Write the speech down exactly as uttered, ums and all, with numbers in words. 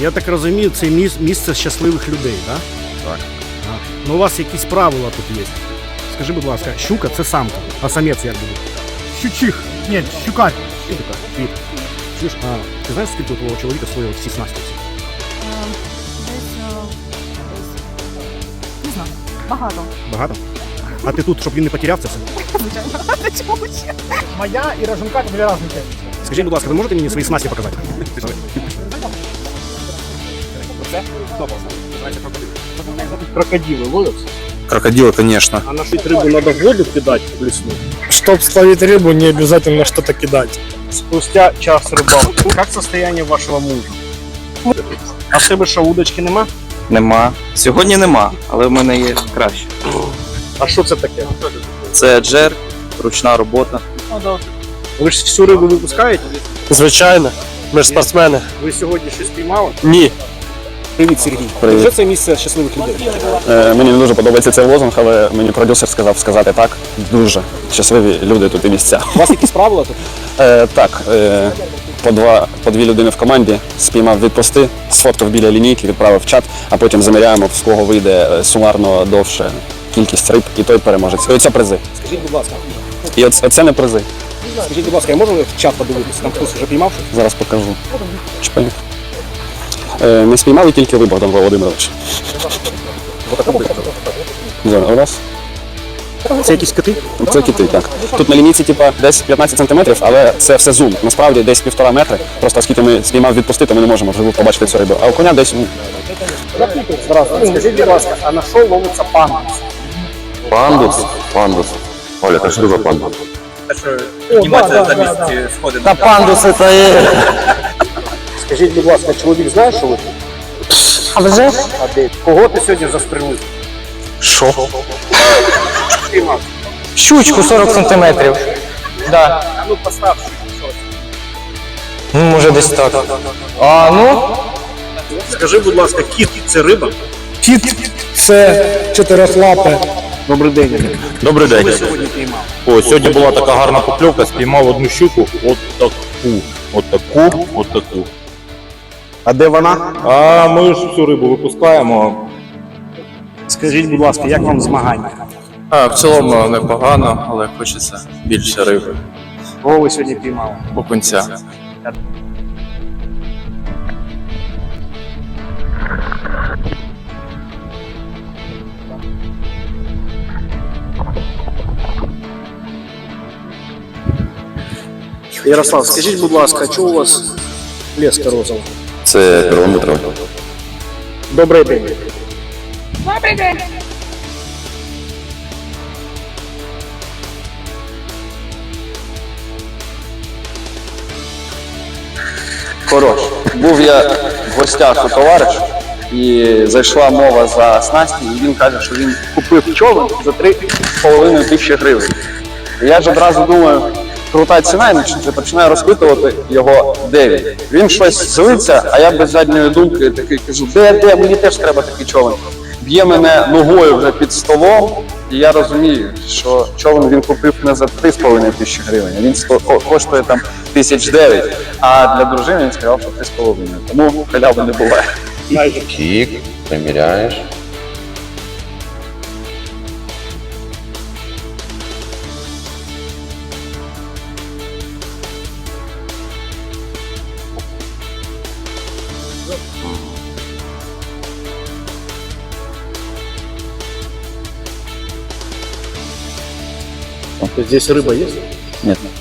Я так розумію, це міс- місце щасливих людей, так? Так. А. Ну у вас якісь правила тут є. Скажи, будь ласка, щука це самка, а самець як буде? Щучих. Ні, щукарь. Щука, квіт. Чуєш, а ти знаєш, скільки у твого чоловіка своїх всі снасті? Десь, десь, не знаю, багато. Багато? А ти тут, щоб він не потеряв це все? Звичайно. Чому ще? Моя і Роженка – дві різні. Скажіть, будь ласка, ви можете мені свої снасті показати? Крокодилы ловятся? Крокодил, конечно. А на что рыбу надо в воду кидать в лесную? Щоб словити рибу, не обов'язково щось кидати. Спустя час рыбалки. Как состояние вашего мужа? А в тебе що, удочки нема? Нема. Сьогодні нема, але в мене є краще. А що це таке? Це джер, ручна робота. Ви ж всю рибу випускаєте? Звичайно. Ми ж спортсмени. Ви сьогодні щось піймали? Ні. Привіт, Сергій. Привіт. Вже це місце щасливих людей? Е, мені не дуже подобається цей лозунг, але мені продюсер сказав сказати так. Дуже щасливі люди тут і місця. У вас якісь правила тут? Е, так, е, по, два, по дві людини в команді, спіймав відпусти, сфоткав біля лінійки, відправив в чат, а потім заміряємо, з кого вийде е, сумарно довше кількість риб, і той переможець. І оце призи. Скажіть, будь ласка, І оце, оце не призи. скажіть, будь ласка, я можу в чат подивитися? Там хтось вже піймав щось? Зараз покажу. Чпай. Е, не спіймали тільки ви, Богдан Володимирович. Зараз, раз. Це якісь коти? Це кити, так. Тут на лінійці типа, десь п'ятнадцять сантиметрів, але це все зум. Насправді десь півтора метри. Просто оскільки ми спіймав відпустити, ми не можемо вживу побачити цю рибу. А у коня десь... ну, Здравствуйте. Скажіть, будь ласка, а на що ловиться пандус? Пандус? Пандус. Оля, это что за пандус? Підніматися за місці сходи. Та пандуси то є. Скажіть, будь ласка, чоловік знає, що ви? А вже ж? А де? Кого ти сьогодні застрелив? Що? Піймав. Щучку сорок сантиметрів. Да. А ну постав. Ну, може десь так. А, ну? Скажи, будь ласка, кіт – це риба? Кіт – це чотирьохлапе. Добрий день. Добрий Що ви день. сьогодні піймав? О, сьогодні була така гарна покльовка, спіймав одну щуку, от таку, от таку, от таку. А де вона? А ми ж всю рибу випускаємо. Скажіть, будь ласка, як вам змагання? А, в цілому непогано, але хочеться більше риби. Кого ви сьогодні піймали? Окунця. Ярослав, скажіть, будь ласка, чого у вас леска розова? Це кілометр. Добрий день. Добрий день. Хорош. Був я в гостях у товариша, і зайшла мова за снасті, і він каже, що він купив човен за три з половиною тисячі гривень. І я ж одразу думаю, крута ціна, і починаю розпитувати його, де він. Він щось злиться, а я без задньої думки такий кажу, де, де, мені теж треба такий човен. Б'є мене ногою вже під столом, і я розумію, що човен він купив не за три з половиною тисячі гривень, він сто, коштує там тисяч дев'ять, а для дружини він сказав, що три з половиною. Тому халяви не буває. Тік, приміряєш. Здесь рыба есть? Ні.